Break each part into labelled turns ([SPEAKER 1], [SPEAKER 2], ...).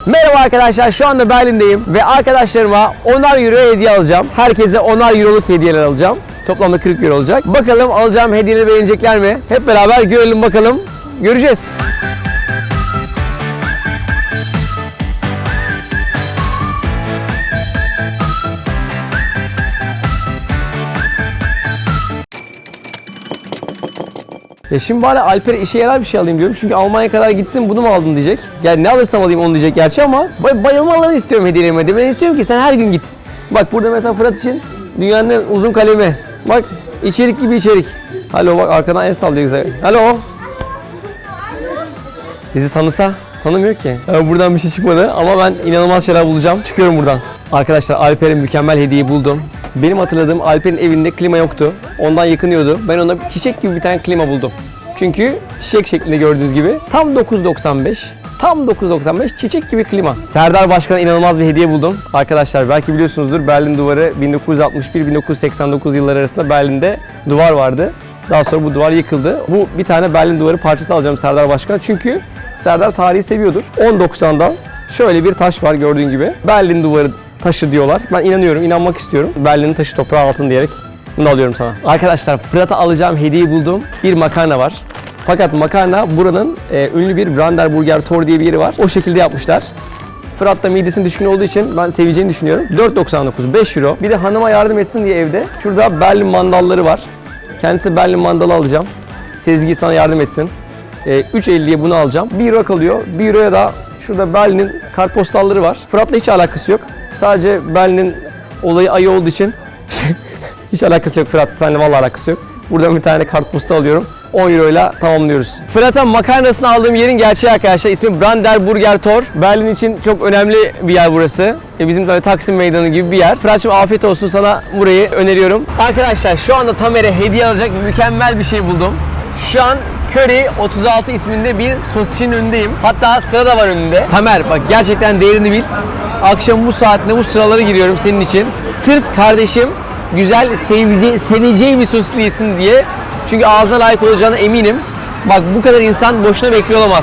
[SPEAKER 1] Merhaba arkadaşlar, şu anda Berlin'deyim ve arkadaşlarıma 10'ar euro hediye alacağım. Herkese 10'ar euroluk hediyeler alacağım. Toplamda 40 euro olacak. Bakalım alacağım hediyeleri beğenecekler mi? Hep beraber görelim bakalım. Göreceğiz. Ya şimdi bari Alper'e işe yarar bir şey alayım diyorum. Çünkü Almanya'ya kadar gittim, bunu mu aldın diyecek. Yani ne alırsam alayım onu diyecek gerçi ama bayılmalarını istiyorum hediyelerime. Ben istiyorum ki sen her gün git. Bak burada mesela Fırat için dünyanın en uzun kalemi. Bak içerik gibi içerik. Alo, bak arkadan el sallıyor güzel. Alo. Bizi tanısa. Tanımıyor ki. Yani buradan bir şey çıkmadı ama ben inanılmaz şeyler bulacağım. Çıkıyorum buradan. Arkadaşlar Alper'in mükemmel hediyeyi buldum. Benim hatırladığım Alper'in evinde klima yoktu. Ondan yakınıyordu. Ben ona çiçek gibi bir tane klima buldum. Çünkü çiçek şeklinde gördüğünüz gibi tam 9.95. Tam 9.95 çiçek gibi klima. Serdar Başkan'a inanılmaz bir hediye buldum. Arkadaşlar belki biliyorsunuzdur, Berlin Duvarı 1961-1989 yılları arasında Berlin'de duvar vardı. Daha sonra bu duvar yıkıldı. Bu bir tane Berlin Duvarı parçası alacağım Serdar Başkan'a. Çünkü Serdar tarihi seviyordur. 10.90'dan şöyle bir taş var gördüğün gibi. Berlin Duvarı taşı diyorlar. Ben inanıyorum, inanmak istiyorum. Berlin'in taşı toprağı altın diyerek bunu alıyorum sana. Arkadaşlar Fırat'a alacağım hediyeyi buldum. Bir makarna var. Fakat makarna buranın ünlü bir Brandenburger Tor diye bir yeri var. O şekilde yapmışlar. Fırat da midesine düşkün olduğu için ben seveceğini düşünüyorum. 4.99, 5 euro. Bir de hanıma yardım etsin diye evde. Şurada Berlin mandalları var. Kendisi Berlin mandalı alacağım. Sezgi sana yardım etsin. 3.50'ye bunu alacağım. 1 euro kalıyor. 1 euroya da şurada Berlin'in kartpostalları var. Fırat'la hiç alakası yok. Sadece Berlin'in olayı ayı olduğu için hiç alakası yok Fırat. Seninle vallahi alakası yok. Buradan bir tane kartpostal alıyorum. 10 euro ile tamamlıyoruz. Fırat'a makarnasını aldığım yerin gerçeği arkadaşlar. İsmi Brandenburger Tor. Berlin için çok önemli bir yer burası. Bizim böyle Taksim Meydanı gibi bir yer. Fırat'cığım afiyet olsun, sana burayı öneriyorum. Arkadaşlar şu anda Tamer'e hediye alacak mükemmel bir şey buldum. Şu an Curry 36 isminde bir sosisçinin önündeyim. Hatta sıra da var önünde. Tamer bak gerçekten değerini bil. Akşam bu saatte bu sıralara giriyorum senin için. Sırf kardeşim güzel, seveceği bir sosisli yesin diye. Çünkü ağzına layık olacağına eminim. Bak bu kadar insan boşuna bekliyor olamaz.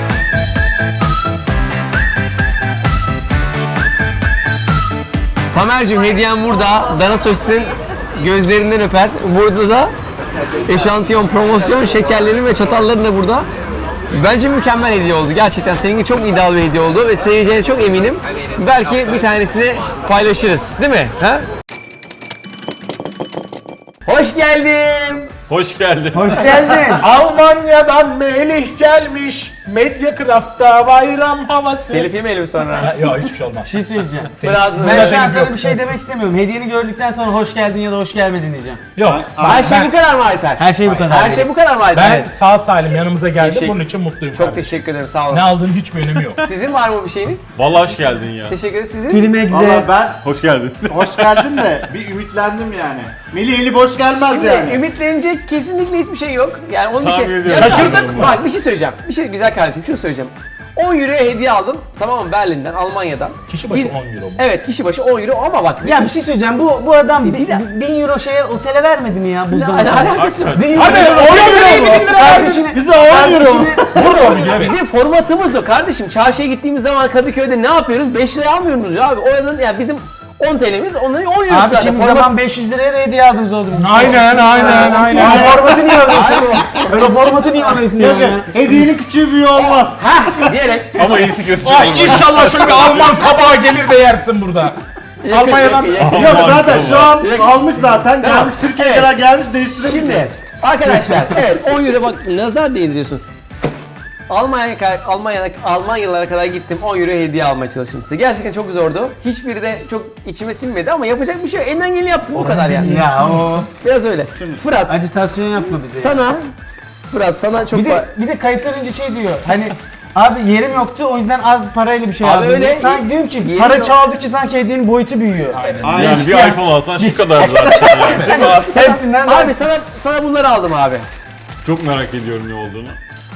[SPEAKER 1] Tamer'cim hediyem burada. Dana sosisin gözlerinden öper. Burada da eşantiyon, promosyon şekerlerin ve çatalların da burada. Bence mükemmel hediye oldu. Gerçekten seninki çok ideal bir hediye oldu ve seveceğine çok eminim. Belki bir tanesini paylaşırız. Değil mi? Ha? Hoş geldin.
[SPEAKER 2] Hoş geldin.
[SPEAKER 1] Hoş geldin.
[SPEAKER 3] Almanya'dan Melih gelmiş. Mediacraft'ta bayram havası.
[SPEAKER 1] Telif yemeyelim sonra.
[SPEAKER 3] Yok hiçbir şey olmaz.
[SPEAKER 4] Bir şey söyleyeceğim.
[SPEAKER 1] Fırat,
[SPEAKER 4] Ben şu an sana bir şey demek istemiyorum. Hediyeni gördükten sonra hoş geldin ya da hoş gelmedin diyeceğim.
[SPEAKER 3] Yok.
[SPEAKER 1] her şey bu kadar mı Alper?
[SPEAKER 4] Her şey bu kadar.
[SPEAKER 1] Her şey bu kadar mı Alper?
[SPEAKER 3] Ben sağ salim yanımıza geldim.
[SPEAKER 1] Teşekkür-
[SPEAKER 3] Bunun için mutluyum.
[SPEAKER 1] Çok
[SPEAKER 3] kardeşim.
[SPEAKER 1] teşekkür ederim, sağ olun.
[SPEAKER 3] Ne aldığının hiçbir önemi yok.
[SPEAKER 1] Sizin var mı bir şeyiniz?
[SPEAKER 2] Vallahi hoş geldin ya.
[SPEAKER 1] Teşekkür ederim. Sizin?
[SPEAKER 4] Film egze.
[SPEAKER 5] Valla ben
[SPEAKER 2] Hoş geldin.
[SPEAKER 5] hoş geldin de bir ümitlendim yani. Melih eli boş gelmez
[SPEAKER 1] Şimdi
[SPEAKER 5] yani.
[SPEAKER 1] ümitlenecek kesinlikle hiçbir şey yok. Yani onu
[SPEAKER 2] Tahmin
[SPEAKER 1] bir kere...
[SPEAKER 2] ediyorum.
[SPEAKER 1] Şaşırdık. Bak bir şey söyleyeceğim. Bir şey güzel kardeşim, şunu söyleyeceğim. 10 euroya hediye aldım. Tamam mı? Berlin'den, Almanya'dan.
[SPEAKER 3] Kişi başı 10 euro mu?
[SPEAKER 1] Evet, kişi başı 10 euro ama bak...
[SPEAKER 4] Ya bir şey söyleyeceğim. Bu adam
[SPEAKER 1] Bir de-
[SPEAKER 4] 1000 euro şeye otele vermedi mi ya
[SPEAKER 1] Ne
[SPEAKER 4] buzdolabı?
[SPEAKER 1] alakası var?
[SPEAKER 4] 1000
[SPEAKER 3] Hadi,
[SPEAKER 4] euro.
[SPEAKER 3] 10 euro mu?
[SPEAKER 4] Kardeşine.
[SPEAKER 5] Bize 10 euro mu?
[SPEAKER 3] Burada 10 euro evet.
[SPEAKER 1] Bizim formatımız o kardeşim. Çarşıya gittiğimiz zaman Kadıköy'de ne yapıyoruz? 5 liraya almıyoruz ya abi. Oranın yani bizim 10 TL'miz, onların 10 eurosu
[SPEAKER 4] Abi
[SPEAKER 1] zaten.
[SPEAKER 4] kimi
[SPEAKER 1] Format-
[SPEAKER 4] zaman 500 liraya da hediye aldınız oldu bizim.
[SPEAKER 3] Aynen.
[SPEAKER 4] O formatı niye alıyorsun? Öyle formatı niye alıyorsun
[SPEAKER 5] Yok
[SPEAKER 4] ya?
[SPEAKER 5] ya, hediyenin küçüğü büyüğü olmaz.
[SPEAKER 1] Hah diyerek.
[SPEAKER 2] Ama iyisi kötüsü
[SPEAKER 3] Ay
[SPEAKER 2] olmaz.
[SPEAKER 3] inşallah şöyle bir Alman kabağı gelir de yersin burada. Almanya'dan
[SPEAKER 1] yakın.
[SPEAKER 5] Yok
[SPEAKER 2] Aman
[SPEAKER 5] zaten şu an
[SPEAKER 1] Tamam.
[SPEAKER 5] almış zaten. Gelmiş Türkiye'ye
[SPEAKER 1] Evet.
[SPEAKER 5] kadar gelmiş değiştirebilir.
[SPEAKER 1] Şimdi arkadaşlar evet 10 euro bak nazar değdiriyorsun. Almanyalara kadar gittim, 10 euro hediye almaya çalıştım size. Gerçekten çok zordu. Hiçbiri de çok içime sinmedi ama yapacak bir şey yok. Elimden geleni yaptım, bu kadar yani.
[SPEAKER 4] Ya o
[SPEAKER 1] Biraz öyle. Fırat
[SPEAKER 4] acitasyon yapma bize.
[SPEAKER 1] Fırat sana çok
[SPEAKER 4] Bir de kayıttan önce şey diyor. Hani abi yerim yoktu o yüzden az parayla bir şey
[SPEAKER 1] Abi
[SPEAKER 4] aldım.
[SPEAKER 1] öyle,
[SPEAKER 4] diyor. Sanki diyorum ki
[SPEAKER 1] yerim
[SPEAKER 4] para
[SPEAKER 1] yok.
[SPEAKER 4] çaldıkça sanki hediyenin boyutu büyüyor.
[SPEAKER 2] Yani bir iPhone alsan şu kadar zaten.
[SPEAKER 4] Hepsinden
[SPEAKER 1] Abi sana bunları aldım abi.
[SPEAKER 2] Çok merak ediyorum ne olduğunu.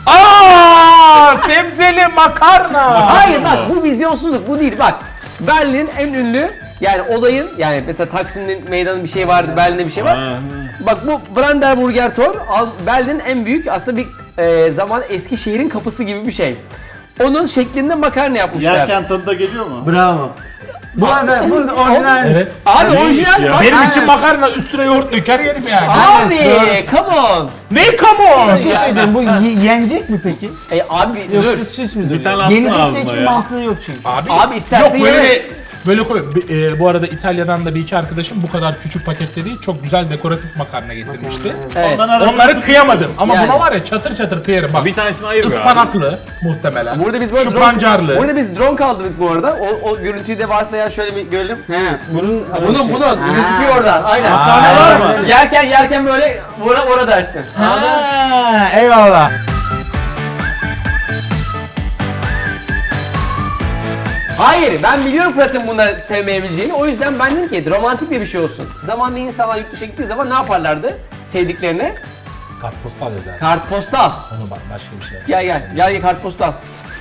[SPEAKER 3] sebzeli makarna.
[SPEAKER 1] Hayır bak bu vizyonsuzluk, bu değil bak. Berlin en ünlü yani olayın, yani mesela Taksim'in meydanı bir şey vardı, Berlin'de bir şey var.
[SPEAKER 2] Ha.
[SPEAKER 1] Bak bu Brandenburger Tor Berlin'in en büyük aslında bir zaman eski şehrin kapısı gibi bir şey. onun şeklinde makarna yapmışlar.
[SPEAKER 5] Yerken tadı da geliyor mu?
[SPEAKER 4] Bravo. Bu arada bu orijinalmiş.
[SPEAKER 3] Evet.
[SPEAKER 1] Abi
[SPEAKER 2] Neymiş
[SPEAKER 1] orijinal
[SPEAKER 2] ya?
[SPEAKER 1] bak.
[SPEAKER 3] Benim için
[SPEAKER 4] Aynen.
[SPEAKER 3] makarna üstüne yoğurt döker yerim yani.
[SPEAKER 1] Abi
[SPEAKER 4] Evet,
[SPEAKER 1] come on.
[SPEAKER 3] Ne come on?
[SPEAKER 4] Bir şey söyleyeceğim. Bu yenecek mi peki?
[SPEAKER 1] Abi
[SPEAKER 4] Yoksa
[SPEAKER 1] dur.
[SPEAKER 4] süs müdür?
[SPEAKER 2] Bir tane atsana
[SPEAKER 4] Yenecekse
[SPEAKER 2] ağzına
[SPEAKER 4] hiçbir
[SPEAKER 2] ya.
[SPEAKER 4] mantığı yok çünkü.
[SPEAKER 1] Abi istersen
[SPEAKER 3] Yok böyle
[SPEAKER 1] yeme.
[SPEAKER 3] böyle koy. Bu arada İtalya'dan da bir iki arkadaşım bu kadar küçük pakette değil çok güzel dekoratif makarna getirmişti.
[SPEAKER 1] Evet.
[SPEAKER 5] Ondan arasında
[SPEAKER 3] Onları kıyamadım ama
[SPEAKER 1] Yani.
[SPEAKER 3] buna var ya çatır çatır kıyarım bak.
[SPEAKER 2] Bir tanesini ayır be abi.
[SPEAKER 3] Ispanaklı muhtemelen.
[SPEAKER 1] Burada biz böyle
[SPEAKER 3] Şu pancarlı.
[SPEAKER 1] Burada biz drone kaldırdık bu arada. O görüntüyü de varsa ya şöyle bir görelim.
[SPEAKER 4] He. Bunun
[SPEAKER 1] Bunun gözüküyor oradan. Aynen.
[SPEAKER 3] Aa,
[SPEAKER 5] var mı?
[SPEAKER 1] Yerken böyle ora dersin.
[SPEAKER 3] Ha, eyvallah.
[SPEAKER 1] Hayır, ben biliyorum Fırat'ın bunları sevmeyebileceğini. O yüzden ben dedim ki romantik bir şey olsun. Zamanında insanlar yurt dışına gittiği zaman ne yaparlardı sevdiklerine?
[SPEAKER 3] Kartpostal yazar.
[SPEAKER 1] Kartpostal.
[SPEAKER 3] Onu bak başka bir şey.
[SPEAKER 1] Gel kartpostal.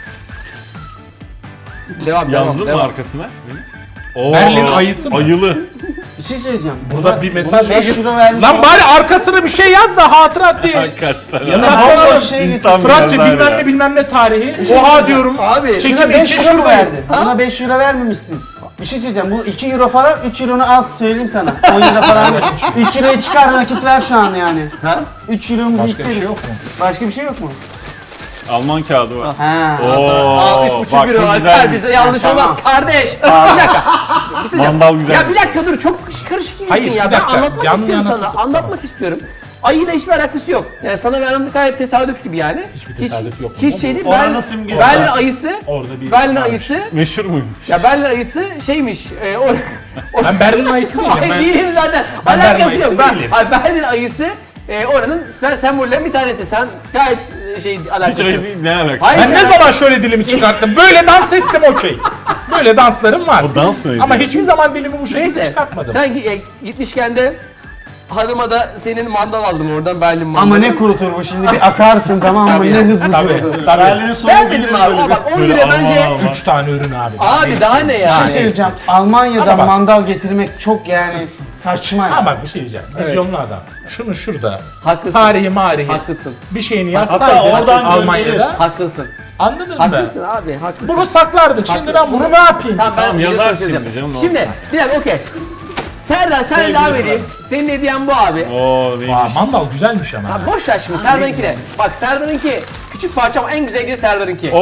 [SPEAKER 1] Devam.
[SPEAKER 2] Yazdın mı arkasına? Oo,
[SPEAKER 3] Berlin ayısı mı?
[SPEAKER 2] Ayılı.
[SPEAKER 4] bir şey söyleyeceğim.
[SPEAKER 3] Burada bir mesaj
[SPEAKER 4] Buna 5
[SPEAKER 3] var.
[SPEAKER 4] euro vermiş.
[SPEAKER 3] Lan bari arkasına bir şey yaz da hatırat diye.
[SPEAKER 2] Hakikaten.
[SPEAKER 4] Ya da
[SPEAKER 3] Saklanalım.
[SPEAKER 4] bomboş şey getir.
[SPEAKER 2] İnsan
[SPEAKER 3] Fıratçı
[SPEAKER 2] biraz
[SPEAKER 3] bilmem
[SPEAKER 2] ya.
[SPEAKER 3] ne bilmem ne tarihi. Oha diyorum.
[SPEAKER 1] Abi,
[SPEAKER 3] Çekim
[SPEAKER 4] Şuna 5
[SPEAKER 3] için
[SPEAKER 4] euro mu
[SPEAKER 3] şuradayım.
[SPEAKER 4] verdin? Buna 5 euro vermemişsin. Bir şey söyleyeceğim. Bu 2 euro falan, 3 euronu al söyleyeyim sana. 10 euro falan ver. 3 euroyu çıkar nakit ver şu an yani.
[SPEAKER 1] Ha?
[SPEAKER 4] 3 euromuzu
[SPEAKER 3] Başka bir
[SPEAKER 4] isterim.
[SPEAKER 3] şey yok mu?
[SPEAKER 4] Başka bir şey yok mu?
[SPEAKER 2] Alman kağıdı var.
[SPEAKER 4] Ha.
[SPEAKER 1] Al 3,5 euro Alper bize yanlış olmaz kardeş. Bir dakika. Bir şey diyeceğim.
[SPEAKER 2] Mandal güzel.
[SPEAKER 1] Ya bir dakika dur çok karışık gidiyorsun
[SPEAKER 3] Hayır,
[SPEAKER 1] ya.
[SPEAKER 3] bir
[SPEAKER 1] Ben
[SPEAKER 3] dakika.
[SPEAKER 1] anlatmak
[SPEAKER 3] Yan
[SPEAKER 1] istiyorum
[SPEAKER 3] yana
[SPEAKER 1] sana.
[SPEAKER 3] tutup-
[SPEAKER 1] Anlatmak istiyorum. Ayıyla hiçbir alakası yok. Yani sana vermem gayet tesadüf gibi yani.
[SPEAKER 3] Hiçbir tesadüf yok.
[SPEAKER 1] Hiç şey değil.
[SPEAKER 5] Oranın simgesi
[SPEAKER 1] Berlin
[SPEAKER 5] var.
[SPEAKER 1] ayısı.
[SPEAKER 3] Orada bir
[SPEAKER 1] Berlin
[SPEAKER 3] varmış.
[SPEAKER 1] ayısı.
[SPEAKER 2] Meşhur muymuş?
[SPEAKER 1] Ya Berlin ayısı şeymiş.
[SPEAKER 3] Ben Berlin ayısı değilim.
[SPEAKER 1] Ay
[SPEAKER 3] Ben
[SPEAKER 1] değilim zaten.
[SPEAKER 3] Ben Berlin
[SPEAKER 1] Alakası
[SPEAKER 3] ayısı
[SPEAKER 1] yok.
[SPEAKER 3] değilim.
[SPEAKER 1] Berlin ayısı oranın sembollerinden bir tanesi. Sen gayet
[SPEAKER 2] Hiç
[SPEAKER 1] alakası
[SPEAKER 2] ayı
[SPEAKER 1] yok.
[SPEAKER 2] değil, ne alaka?
[SPEAKER 1] Hayır,
[SPEAKER 3] Ben ne zaman şöyle dilimi çıkarttım? Böyle dans ettim okey. Böyle danslarım var.
[SPEAKER 2] O dans mıydı?
[SPEAKER 3] Ama hiçbir zaman dilimi bu şekilde
[SPEAKER 1] Neyse
[SPEAKER 3] çıkartmadım.
[SPEAKER 1] sen gitmişken de hanıma da senin mandal aldım oradan Berlin mandalı.
[SPEAKER 4] Ama ne kurutur bu şimdi bir asarsın tamam mı?
[SPEAKER 3] Tabii,
[SPEAKER 4] Ne hızlı
[SPEAKER 3] tabii.
[SPEAKER 4] kurutur.
[SPEAKER 5] Berlin'in sonu
[SPEAKER 1] Ben
[SPEAKER 5] bilir
[SPEAKER 1] dedim abi
[SPEAKER 5] böyle
[SPEAKER 1] ama bak 10
[SPEAKER 2] Böyle
[SPEAKER 1] euro bence
[SPEAKER 2] Alman.
[SPEAKER 3] 3 tane ürün abi.
[SPEAKER 1] abi daha ne
[SPEAKER 4] Bir şey
[SPEAKER 1] yani?
[SPEAKER 4] söyleyeceğim.
[SPEAKER 3] Ama
[SPEAKER 4] Almanya'dan
[SPEAKER 3] bak-
[SPEAKER 4] mandal getirmek çok yani saçma ya.
[SPEAKER 3] Ha bak bir şey diyeceğim. Vizyonlu adam. Şunu şurada.
[SPEAKER 1] Haklısın.
[SPEAKER 3] Tarihi marihi.
[SPEAKER 1] Haklısın.
[SPEAKER 3] Bir şeyini
[SPEAKER 5] Hatta
[SPEAKER 3] yazsaydın
[SPEAKER 5] oradan
[SPEAKER 3] Almanya'da.
[SPEAKER 1] Haklısın.
[SPEAKER 3] Anladın mı?
[SPEAKER 1] Haklısın abi, haklısın.
[SPEAKER 3] Bunu saklardık. Şimdi ben bunu ne yapayım?
[SPEAKER 1] Tamam, ben
[SPEAKER 2] Tamam,
[SPEAKER 1] videosunu
[SPEAKER 2] yazarsın
[SPEAKER 1] söyleyeceğim.
[SPEAKER 2] şimdi canım, ne
[SPEAKER 1] Şimdi bir dakika okey. Serdar sen
[SPEAKER 2] Sevgili
[SPEAKER 1] devam edeyim. Senin hediyen bu abi.
[SPEAKER 2] Oo neymiş?
[SPEAKER 3] Aa, mandal güzelmiş ama.
[SPEAKER 1] Ha, boş ver şimdi Serdar'ınkine. Bak Serdar'ınki küçük parça ama en güzel gibi Serdar'ınki.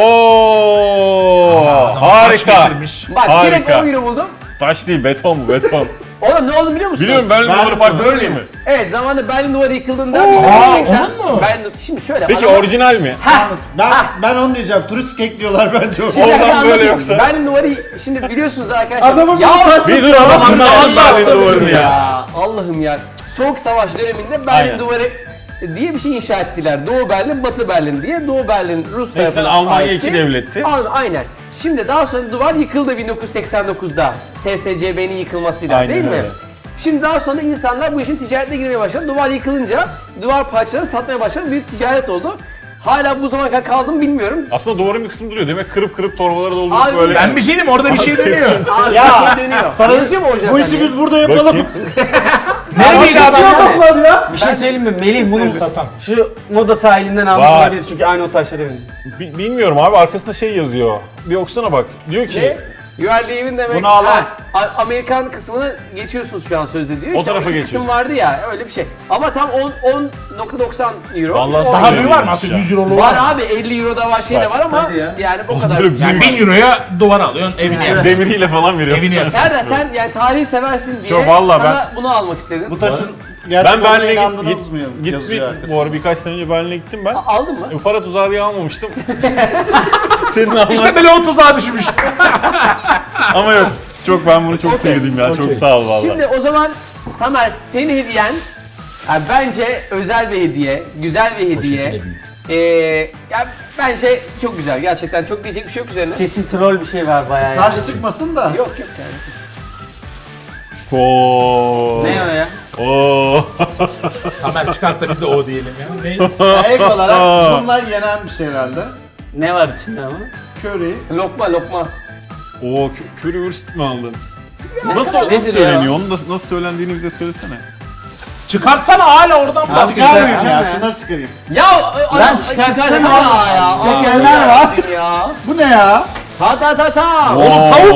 [SPEAKER 2] Oo
[SPEAKER 3] Adam taş
[SPEAKER 2] harika.
[SPEAKER 3] getirmiş.
[SPEAKER 1] Bak direkt
[SPEAKER 2] Harika.
[SPEAKER 1] 10 euro buldum.
[SPEAKER 2] Taş değil, beton bu, beton.
[SPEAKER 1] Oğlum ne oldu biliyor musun?
[SPEAKER 2] Biliyorum, Berlin
[SPEAKER 5] Ben-
[SPEAKER 2] duvarı parçası değil mi?
[SPEAKER 1] Evet zamanında Berlin duvarı yıkıldığında
[SPEAKER 3] Aa,
[SPEAKER 1] 1980
[SPEAKER 3] onun mu?
[SPEAKER 1] Şimdi şöyle
[SPEAKER 2] Peki
[SPEAKER 1] adamlar-
[SPEAKER 2] orijinal mi?
[SPEAKER 5] Ben onu diyeceğim. Turist ekliyorlar bence.
[SPEAKER 1] Şimdi
[SPEAKER 2] Oradan
[SPEAKER 1] ben
[SPEAKER 2] böyle
[SPEAKER 1] anlatayım.
[SPEAKER 2] yoksa?
[SPEAKER 1] Berlin duvarı şimdi biliyorsunuz arkadaşlar.
[SPEAKER 5] Adamın
[SPEAKER 1] ya,
[SPEAKER 5] bir taş-
[SPEAKER 2] Bir dur adam anlatsın Berlin duvarını ya.
[SPEAKER 1] ya Allah'ım ya. Soğuk Savaş döneminde Berlin
[SPEAKER 2] Aynen.
[SPEAKER 1] duvarı diye bir şey inşa ettiler. Doğu Berlin, Batı Berlin diye. Doğu Berlin Rus
[SPEAKER 2] Neyse,
[SPEAKER 1] tarafına
[SPEAKER 2] Almanya
[SPEAKER 1] aitti.
[SPEAKER 2] iki devletti.
[SPEAKER 1] Aynen. Şimdi daha sonra duvar yıkıldı 1989'da. SSCB'nin yıkılmasıyla
[SPEAKER 2] Aynen
[SPEAKER 1] değil mi?
[SPEAKER 2] öyle.
[SPEAKER 1] Şimdi daha sonra insanlar bu işin ticaretine girmeye başladı. Duvar yıkılınca duvar parçalarını satmaya başladı. Büyük ticaret oldu. Hala bu zamana kadar kaldı mı bilmiyorum.
[SPEAKER 2] Aslında duvarın bir kısmı duruyor. Demek kırıp kırıp torbalara doldurup
[SPEAKER 1] Abi,
[SPEAKER 2] böyle.
[SPEAKER 3] Ben bir şey diyeyim orada bir şey dönüyor.
[SPEAKER 1] Abi
[SPEAKER 5] Ya,
[SPEAKER 1] bir şey dönüyor.
[SPEAKER 5] sana-
[SPEAKER 1] Yazıyor mu orijinal?
[SPEAKER 5] Bu işi biz burada yapalım.
[SPEAKER 2] Bakayım.
[SPEAKER 3] Neredeydi adam?
[SPEAKER 5] Adamlar ya.
[SPEAKER 4] Bir şey söyleyeyim mi? Melih bunu
[SPEAKER 3] Satan.
[SPEAKER 4] şu moda sahilinden almış
[SPEAKER 2] Vay.
[SPEAKER 4] olabilir çünkü aynı o taşları benim.
[SPEAKER 2] Bilmiyorum abi, arkasında şey yazıyor. Bir okusana bak. Diyor ki
[SPEAKER 1] Ne? You are leaving demek.
[SPEAKER 5] Bunu al, al.
[SPEAKER 1] Amerikan kısmını geçiyorsunuz şu an sözde diyor.
[SPEAKER 2] O
[SPEAKER 1] İşte
[SPEAKER 2] tarafa
[SPEAKER 1] iki
[SPEAKER 2] geçiyorsun.
[SPEAKER 1] kısım vardı ya öyle bir şey. Ama tam 10.90 euro.
[SPEAKER 2] Vallahi
[SPEAKER 1] On
[SPEAKER 3] Daha
[SPEAKER 1] euro.
[SPEAKER 3] büyük var mı? Artık 100 eurolu
[SPEAKER 1] Var
[SPEAKER 3] var.
[SPEAKER 1] abi 50 euro da var şey de
[SPEAKER 2] Bak.
[SPEAKER 1] var ama
[SPEAKER 4] Hadi ya.
[SPEAKER 1] yani o kadar.
[SPEAKER 2] Onları
[SPEAKER 3] Yani 1000 euroya duvar alıyorsun evine yapıyorsun.
[SPEAKER 2] demiriyle falan veriyor.
[SPEAKER 3] Evini yapıyorsun.
[SPEAKER 1] Serdar sen yani tarihi seversin diye
[SPEAKER 2] Çok vallahi
[SPEAKER 1] sana bunu almak istedim.
[SPEAKER 5] Bu taşın
[SPEAKER 2] Ben
[SPEAKER 5] gerçek olduğuna
[SPEAKER 2] Berlin'e
[SPEAKER 5] inandınız mı?
[SPEAKER 2] gittim.
[SPEAKER 5] Yazıyor arkasında.
[SPEAKER 2] Bu arada birkaç sene önce Berlin'e gittim ben.
[SPEAKER 1] Aldın mı?
[SPEAKER 2] Para tuzağı diye almamıştım. Senin alman.
[SPEAKER 3] İşte böyle o tuzağa düşmüş.
[SPEAKER 2] Ama yok. Çok, ben bunu çok sevdim ya. Çok sağ ol valla.
[SPEAKER 1] Şimdi o zaman Tamer senin hediyen yani bence özel bir hediye, güzel bir hediye. Ya bence çok güzel. Gerçekten çok diyecek bir şey yok üzerine.
[SPEAKER 4] Kesin troll bir şey var bayağı. ya.
[SPEAKER 5] Taş çıkmasın da.
[SPEAKER 1] Yok yani.
[SPEAKER 2] Oo.
[SPEAKER 4] Ne o ya?
[SPEAKER 2] Oo.
[SPEAKER 3] Tamer çıkart da biz de o diyelim ya. Ne?
[SPEAKER 5] Ek olarak bunlar yenen bir şey herhalde.
[SPEAKER 4] Ne var içinde ama?
[SPEAKER 5] Curry.
[SPEAKER 1] Lokma lokma.
[SPEAKER 2] Oo, currywurst mi aldın? Nasıl
[SPEAKER 4] Nedir ya?
[SPEAKER 2] söyleniyor? Onu nasıl söylendiğini bize söylesene.
[SPEAKER 3] Çıkartsana hala oradan bak.
[SPEAKER 5] Çıkarmayayım ya. Şunları çıkarayım.
[SPEAKER 1] Ya
[SPEAKER 4] Lan çıkarsana
[SPEAKER 1] ya.
[SPEAKER 4] Şekerler var.
[SPEAKER 1] Ya.
[SPEAKER 5] Bu ne ya?
[SPEAKER 1] Ta.
[SPEAKER 3] Oğlum tavuk.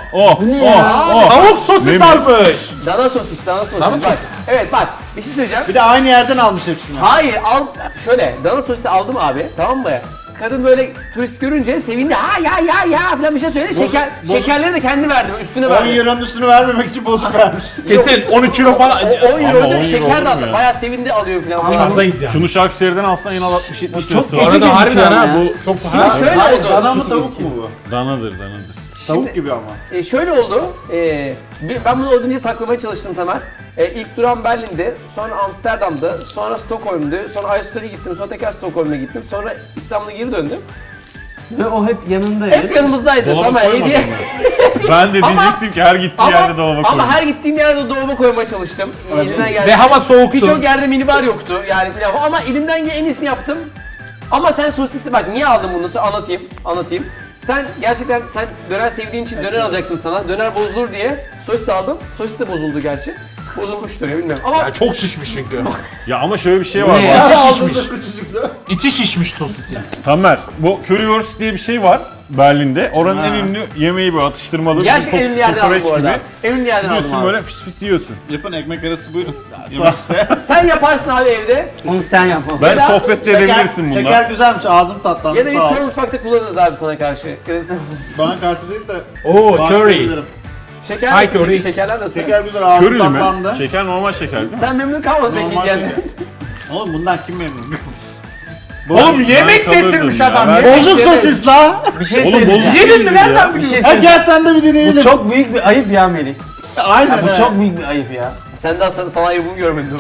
[SPEAKER 3] Tavuk sosis
[SPEAKER 2] Ne
[SPEAKER 3] almış.
[SPEAKER 1] Dana sosis.
[SPEAKER 3] Dana
[SPEAKER 1] Bak. Evet bak bir şey söyleyeceğim.
[SPEAKER 5] Bir de aynı yerden almış hepsini.
[SPEAKER 1] Hayır şöyle dana sosisi aldım abi tamam mı? Kadın böyle turist görünce sevindi. Ha ya falan bir şey söyledi. Şekerleri de kendi verdi. Üstüne
[SPEAKER 5] 10
[SPEAKER 1] verdi.
[SPEAKER 5] euronun üstünü vermemek için bozuk vermiş.
[SPEAKER 3] Kesin 13 kilo falan.
[SPEAKER 1] 10 euro
[SPEAKER 2] Ama 10
[SPEAKER 1] da
[SPEAKER 2] euro
[SPEAKER 1] şeker
[SPEAKER 2] olur
[SPEAKER 1] de
[SPEAKER 2] mu
[SPEAKER 1] aldı.
[SPEAKER 2] ya?
[SPEAKER 1] Bayağı sevindi alıyor falan.
[SPEAKER 3] Dışarıdayız yani.
[SPEAKER 2] Şunu Şarküteri'den alsan en az 60-70
[SPEAKER 4] çok
[SPEAKER 2] lirası
[SPEAKER 3] Bu
[SPEAKER 2] var.
[SPEAKER 4] kötü
[SPEAKER 3] arada harbiden ha
[SPEAKER 4] gözüküyor
[SPEAKER 3] bu çok
[SPEAKER 1] Şimdi şöyle
[SPEAKER 5] Hayır,
[SPEAKER 1] oldu.
[SPEAKER 5] dana mı tavuk mu bu?
[SPEAKER 2] Danadır.
[SPEAKER 5] Tavuk gibi ama.
[SPEAKER 1] Şöyle oldu. Ben bunu olduğunca saklamaya çalıştım Tamer. İlk duran Berlin'de, sonra Amsterdam'da, sonra Stockholm'du, sonra Ayasofya'ya gittim, sonra tekrar Stockholm'a gittim, sonra İstanbul'a geri döndüm.
[SPEAKER 4] Ve o hep yanındaydı.
[SPEAKER 1] Hep yanımızdaydı.
[SPEAKER 2] Dolaba
[SPEAKER 1] Tamer
[SPEAKER 2] koymadın
[SPEAKER 1] hediye.
[SPEAKER 2] mı? Ben de diyecektim ki her gittiği yerde dolaba koy.
[SPEAKER 1] Ama her gittiğim yerde dolaba koymaya çalıştım. Elimden geldi.
[SPEAKER 3] Ve hava soğuktu.
[SPEAKER 1] Birçok yerde minibar yoktu yani filan ama elimden gelen en iyisini yaptım. Ama sen sosisi bak niye aldın bunu anlatayım. Sen gerçekten döner sevdiğin için döner alacaktım sana. Döner bozulur diye sosis aldım. Sosis de bozuldu gerçi. Bozulmuştur ya bilmiyorum. Ama
[SPEAKER 3] Ya çok şişmiş çünkü.
[SPEAKER 2] Ya ama şöyle bir şey var.
[SPEAKER 4] Ne
[SPEAKER 2] bak.
[SPEAKER 3] İçi
[SPEAKER 5] Ağzında
[SPEAKER 3] şişmiş.
[SPEAKER 5] küçücüklü.
[SPEAKER 3] İçi şişmiş sosisi.
[SPEAKER 2] Tamer, bu Currywurst diye bir şey var Berlin'de. Oranın en ünlü yemeği böyle atıştırmalı.
[SPEAKER 1] gerçekten en ünlü yerden aldım bu
[SPEAKER 2] kokoreç
[SPEAKER 1] arada.
[SPEAKER 2] gibi.
[SPEAKER 1] En ünlü yerden aldım
[SPEAKER 2] Gidiyorsun
[SPEAKER 1] abi.
[SPEAKER 2] böyle fıs fıs yiyorsun.
[SPEAKER 5] Yapın ekmek arası buyurun.
[SPEAKER 1] Sen yaparsın abi evde.
[SPEAKER 4] Onu sen yap.
[SPEAKER 1] Ya
[SPEAKER 2] Ben
[SPEAKER 1] da-
[SPEAKER 2] sohbet de edebilirsin bununla.
[SPEAKER 5] Şeker güzelmiş ağzım tatlandı
[SPEAKER 1] Ya da bir
[SPEAKER 5] sağ ol.
[SPEAKER 1] sonra mutfakta kullanırız abi sana karşı. Ya da sen-
[SPEAKER 5] Bana karşı değil de.
[SPEAKER 3] Oo curry.
[SPEAKER 5] bahsedebilirim.
[SPEAKER 1] Şeker
[SPEAKER 3] Ay,
[SPEAKER 1] nasıl?
[SPEAKER 3] curry.
[SPEAKER 1] Şekerler nasıl?
[SPEAKER 5] Şeker güzel ağzım
[SPEAKER 2] Körülü mü?
[SPEAKER 5] tatlandı.
[SPEAKER 2] Şeker normal şeker değil mi?
[SPEAKER 1] Sen memnun kalmadın peki
[SPEAKER 5] Normal
[SPEAKER 1] geldi.
[SPEAKER 5] şeker. Oğlum bundan kim memnun?
[SPEAKER 3] Oğlum yemek
[SPEAKER 2] kalırdım
[SPEAKER 3] getirmiş
[SPEAKER 2] ya.
[SPEAKER 3] adam.
[SPEAKER 2] Ben-
[SPEAKER 3] yemek
[SPEAKER 5] Bozuk
[SPEAKER 3] getirmiş.
[SPEAKER 5] sosis la.
[SPEAKER 4] Bir şey
[SPEAKER 2] Oğlum
[SPEAKER 4] söyleyeceğim.
[SPEAKER 2] bozuk
[SPEAKER 3] Yedin mi?
[SPEAKER 2] değil
[SPEAKER 3] Nereden
[SPEAKER 2] ya.
[SPEAKER 4] Bir
[SPEAKER 3] biliyorsun?
[SPEAKER 4] şey
[SPEAKER 5] Ha
[SPEAKER 4] söyleyeceğim.
[SPEAKER 5] gel sen de bir deneyelim.
[SPEAKER 4] Bu çok büyük bir ayıp ya Melih.
[SPEAKER 5] Aynen
[SPEAKER 4] Bu
[SPEAKER 5] he.
[SPEAKER 4] çok büyük bir ayıp ya.
[SPEAKER 1] Sen daha sana ayıbımı görmedin.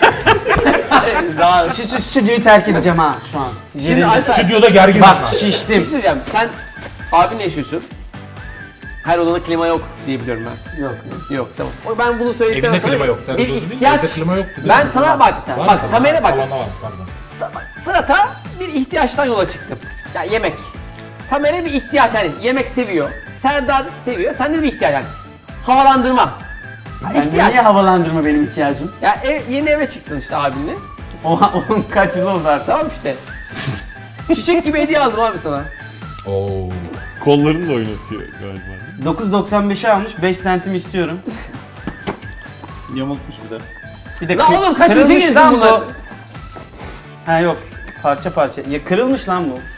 [SPEAKER 4] Şu stüdyoyu terk edeceğim ha şu an.
[SPEAKER 1] Şimdi Alper,
[SPEAKER 3] Stüdyoda gergin
[SPEAKER 4] Bak
[SPEAKER 1] bir şey
[SPEAKER 4] şiştim.
[SPEAKER 1] söyleyeceğim. Sen abinle yaşıyorsun. Her odada klima yok diye biliyorum ben.
[SPEAKER 4] Yok.
[SPEAKER 1] Yok tamam. Ben bunu söyledikten
[SPEAKER 3] Evinde
[SPEAKER 1] sonra
[SPEAKER 3] klima yok.
[SPEAKER 1] bir ihtiyaç.
[SPEAKER 3] Klima yok.
[SPEAKER 1] Ben sana bak,
[SPEAKER 3] Var
[SPEAKER 1] bak
[SPEAKER 3] mı?
[SPEAKER 1] Tamer'e bak.
[SPEAKER 3] Salonda var pardon.
[SPEAKER 1] Fırat'a bir ihtiyaçtan yola çıktım. Ya yemek. Tamer'e bir ihtiyaç yani yemek seviyor. Serdar seviyor. Sende de bir ihtiyaç yani. Havalandırma.
[SPEAKER 4] Yani
[SPEAKER 1] İhtiyaç.
[SPEAKER 4] niye havalandırma benim ihtiyacım?
[SPEAKER 1] Ya yeni eve çıktın işte abinle.
[SPEAKER 4] Onun kaç yıl oldu artık?
[SPEAKER 1] Tamam işte. Çiçek gibi hediye aldım abi sana.
[SPEAKER 3] Oo.
[SPEAKER 2] Kollarını da oynatıyor galiba.
[SPEAKER 4] 9.95'e almış, 5 santim istiyorum.
[SPEAKER 5] Yamultmuş bir de.
[SPEAKER 4] Bir de
[SPEAKER 1] Lan oğlum kaçıncı
[SPEAKER 4] kırılmış
[SPEAKER 1] gezdin
[SPEAKER 4] lan
[SPEAKER 1] bunları?
[SPEAKER 4] bu. Ha yok, parça parça. Ya kırılmış lan bu.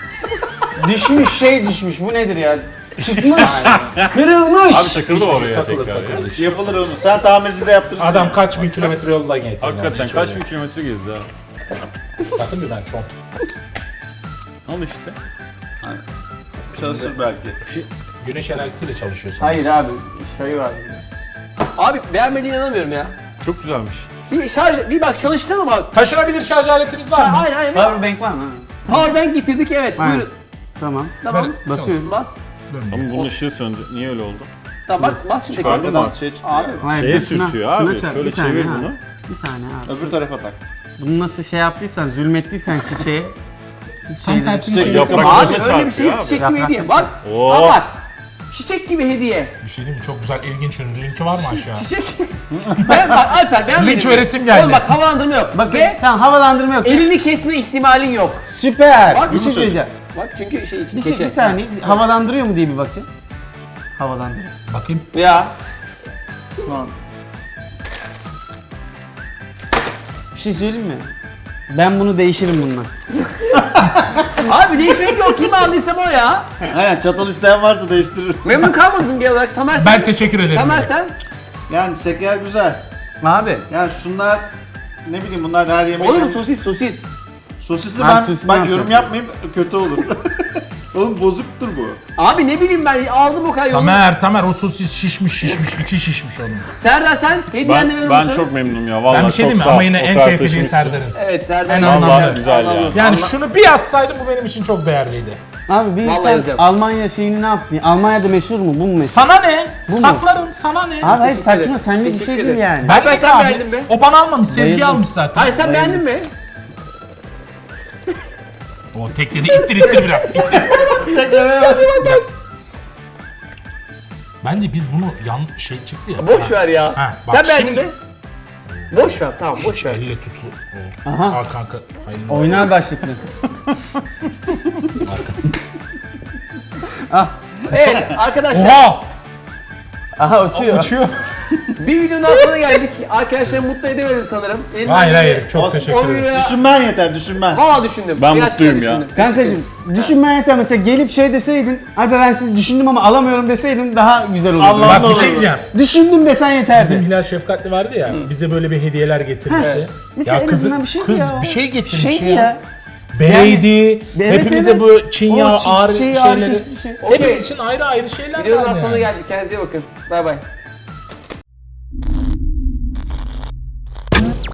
[SPEAKER 4] düşmüş, bu nedir ya? Çıkmış, kırılmış.
[SPEAKER 2] Abi takıldı oraya
[SPEAKER 3] Takılır,
[SPEAKER 2] tekrar ya.
[SPEAKER 3] takılır.
[SPEAKER 5] Yapılır onu. Sen tamircide yaptırırsın.
[SPEAKER 3] Adam kaç bin kilometre yoldan getirdi.
[SPEAKER 2] Hakikaten kaç bin kilometre gezdi ha.
[SPEAKER 3] Bakın bir ben çok.
[SPEAKER 2] Al işte.
[SPEAKER 5] Çalışır belki.
[SPEAKER 3] Güneş enerjisiyle çalışıyorsun.
[SPEAKER 4] Hayır abi, şey var.
[SPEAKER 1] Abi beğenmediğine inanamıyorum ya.
[SPEAKER 2] Çok güzelmiş.
[SPEAKER 1] Bir bak çalıştı mı bak.
[SPEAKER 3] Taşınabilir şarj aletiniz var mı?
[SPEAKER 1] Aynen aynen.
[SPEAKER 4] Powerbank var mı?
[SPEAKER 1] Powerbank getirdik evet.
[SPEAKER 4] Aynen.
[SPEAKER 1] Buyurun.
[SPEAKER 4] Tamam.
[SPEAKER 1] Tamam.
[SPEAKER 3] Ver.
[SPEAKER 4] Basıyorum.
[SPEAKER 1] Bas.
[SPEAKER 2] Ama bunun ışığı söndü. Niye öyle oldu?
[SPEAKER 1] Tamam bas şimdi.
[SPEAKER 2] Çıkardın
[SPEAKER 1] tekrar.
[SPEAKER 2] mı?
[SPEAKER 5] Arkadan şey çıkıyor.
[SPEAKER 1] Abi.
[SPEAKER 4] Hayır,
[SPEAKER 2] Şeye
[SPEAKER 4] dur, şuna-
[SPEAKER 2] sürtüyor
[SPEAKER 4] şuna
[SPEAKER 2] abi.
[SPEAKER 4] çarp.
[SPEAKER 2] Şöyle
[SPEAKER 4] Bir saniye
[SPEAKER 2] çevir
[SPEAKER 4] ha.
[SPEAKER 2] bunu.
[SPEAKER 4] Bir saniye abi.
[SPEAKER 5] Öbür tarafa tak.
[SPEAKER 4] Bunu nasıl şey yaptıysan, zulmettiysen çiçeğe.
[SPEAKER 3] Tam tersini
[SPEAKER 5] Çiçek
[SPEAKER 3] çevir.
[SPEAKER 5] yaprak-
[SPEAKER 1] Abi
[SPEAKER 2] Yapraklarına
[SPEAKER 1] öyle bir şey yok.
[SPEAKER 2] çarpıyor
[SPEAKER 1] Çiçek
[SPEAKER 4] abi.
[SPEAKER 1] gibi hediye. Bak.
[SPEAKER 2] Oo.
[SPEAKER 1] Al bak. Çiçek gibi hediye.
[SPEAKER 3] Bir şey değil mi? Çok güzel, ilginç ürün. Linki var mı aşağı?
[SPEAKER 1] Çiçek. Bak Alper ben
[SPEAKER 3] Linç ve resim geldi.
[SPEAKER 1] Oğlum bak havalandırma yok.
[SPEAKER 4] Bak
[SPEAKER 1] Ve
[SPEAKER 4] tamam, havalandırma yok.
[SPEAKER 1] elini kesme ihtimalin yok.
[SPEAKER 4] Süper.
[SPEAKER 1] Bak,
[SPEAKER 4] Bir şey söyleyeceğim.
[SPEAKER 1] Bak çünkü şey için
[SPEAKER 4] Bir saniye, havalandırıyor mu diye bir bakayım. Havalandırıyor.
[SPEAKER 3] Bakayım.
[SPEAKER 1] Ya.
[SPEAKER 4] Bir şey söyleyeyim mi? Ben bunu değişirim bununla.
[SPEAKER 1] Abi değişmek yok. Kim aldıysa o ya.
[SPEAKER 5] Aynen çatal isteyen varsa değiştirir.
[SPEAKER 1] Memnun kalmadın bir olarak. Tamer sen.
[SPEAKER 3] Ben teşekkür ederim.
[SPEAKER 1] Tamer sen.
[SPEAKER 5] Yani şeker güzel.
[SPEAKER 4] Abi.
[SPEAKER 5] Yani şunlar ne bileyim bunlar her yemek.
[SPEAKER 1] Oğlum sosis.
[SPEAKER 5] Sosisi
[SPEAKER 4] Abi
[SPEAKER 5] ben
[SPEAKER 4] sosisi
[SPEAKER 5] bak
[SPEAKER 4] ne
[SPEAKER 5] yorum yapmayayım kötü olur. Oğlum bozuktur bu.
[SPEAKER 1] Abi ne bileyim ben aldım o kadar yolu.
[SPEAKER 3] Tamer o sosis şişmiş, içi şişmiş onun.
[SPEAKER 1] Serdar sen hediyen ne
[SPEAKER 2] Ben çok memnunum ya. Vallahi
[SPEAKER 3] Ben bir şey
[SPEAKER 2] çok
[SPEAKER 3] diyeyim mi?
[SPEAKER 2] sağ ol.
[SPEAKER 3] Ama yine
[SPEAKER 2] O
[SPEAKER 3] en
[SPEAKER 2] kadar
[SPEAKER 3] keyifli şey
[SPEAKER 2] taşımışsın.
[SPEAKER 3] Serdar'ın.
[SPEAKER 1] Evet Serdar.
[SPEAKER 3] En
[SPEAKER 1] Vallahi
[SPEAKER 3] azından
[SPEAKER 2] güzel ya.
[SPEAKER 3] Yani şunu bir yazsaydım bu benim için çok değerliydi.
[SPEAKER 4] Abi bir
[SPEAKER 1] Vallahi
[SPEAKER 4] insan
[SPEAKER 1] yazacağım.
[SPEAKER 4] Almanya şeyini ne yapsın? Almanya'da meşhur mu? Bu mu meşhur?
[SPEAKER 3] Sana ne?
[SPEAKER 4] mu?
[SPEAKER 3] Saklarım, sana ne?
[SPEAKER 4] Abi hayır
[SPEAKER 1] Teşekkür
[SPEAKER 4] saçma,
[SPEAKER 1] ederim.
[SPEAKER 4] senlik bir
[SPEAKER 1] Teşekkür
[SPEAKER 4] şey değil
[SPEAKER 1] ederim.
[SPEAKER 4] yani.
[SPEAKER 1] Alper sen
[SPEAKER 3] abi.
[SPEAKER 1] beğendin mi?
[SPEAKER 3] O bana almamış, Sezgi
[SPEAKER 4] Bayıldım.
[SPEAKER 3] almış zaten.
[SPEAKER 1] Hayır sen beğendin mi?
[SPEAKER 3] O tekleri ittir biraz. ittir. Bence biz bunu şey çıktı ya.
[SPEAKER 1] Boş ver ya.
[SPEAKER 3] Ha, bak
[SPEAKER 1] Sen beğendin
[SPEAKER 3] şimdi-
[SPEAKER 1] mi? Boş ver tamam boş ver.
[SPEAKER 3] Elle tutu.
[SPEAKER 4] Aha.
[SPEAKER 3] Aa kanka. Hayırlı olsun.
[SPEAKER 4] Oynar başlıklı.
[SPEAKER 1] Evet arkadaşlar
[SPEAKER 3] Oha!
[SPEAKER 4] Aha uçuyor.
[SPEAKER 3] Uçuyor.
[SPEAKER 1] bir videonun daha sonuna geldik. Arkadaşlarımı mutlu edemedim sanırım. Elimden
[SPEAKER 3] Hayır
[SPEAKER 1] geleni
[SPEAKER 3] hayır çok teşekkür
[SPEAKER 1] 10
[SPEAKER 3] ederim.
[SPEAKER 1] euroya
[SPEAKER 5] Düşünmen yeter, düşünmen.
[SPEAKER 1] valla düşündüm.
[SPEAKER 2] Ben
[SPEAKER 1] Gerçekten
[SPEAKER 2] mutluyum ya.
[SPEAKER 1] düşündüm.
[SPEAKER 4] Kankacığım düşünmen yeter, mesela gelip şey deseydin, Alper ben sizi düşündüm ama alamıyorum deseydin daha güzel olurdu.
[SPEAKER 5] Allah
[SPEAKER 3] Bak bir
[SPEAKER 5] Allah.
[SPEAKER 3] şey diyeceğim.
[SPEAKER 4] Düşündüm desen
[SPEAKER 3] Bizim
[SPEAKER 4] yeterdi.
[SPEAKER 3] Hilal Şefkatli vardı ya, bize böyle bir hediyeler getirmişti.
[SPEAKER 1] Evet.
[SPEAKER 4] Mesela en azından bir şeydi
[SPEAKER 3] kız
[SPEAKER 4] ya.
[SPEAKER 3] bir şey getirmiş
[SPEAKER 4] Şeydi
[SPEAKER 3] ya.
[SPEAKER 4] ya.
[SPEAKER 3] Bereydi,
[SPEAKER 4] Evet,
[SPEAKER 3] hepimize
[SPEAKER 4] evet.
[SPEAKER 3] bu Çin
[SPEAKER 4] O
[SPEAKER 3] yağı
[SPEAKER 4] Çin-
[SPEAKER 3] ağır
[SPEAKER 4] Çin yağı
[SPEAKER 3] şeyleri.
[SPEAKER 4] kesici şey.
[SPEAKER 1] Okey.
[SPEAKER 3] Hepimiz için ayrı ayrı şeyler
[SPEAKER 1] Videonun
[SPEAKER 3] var
[SPEAKER 1] daha sonuna
[SPEAKER 3] yani.
[SPEAKER 1] geldik. Kendinize iyi bakın. Bay bay.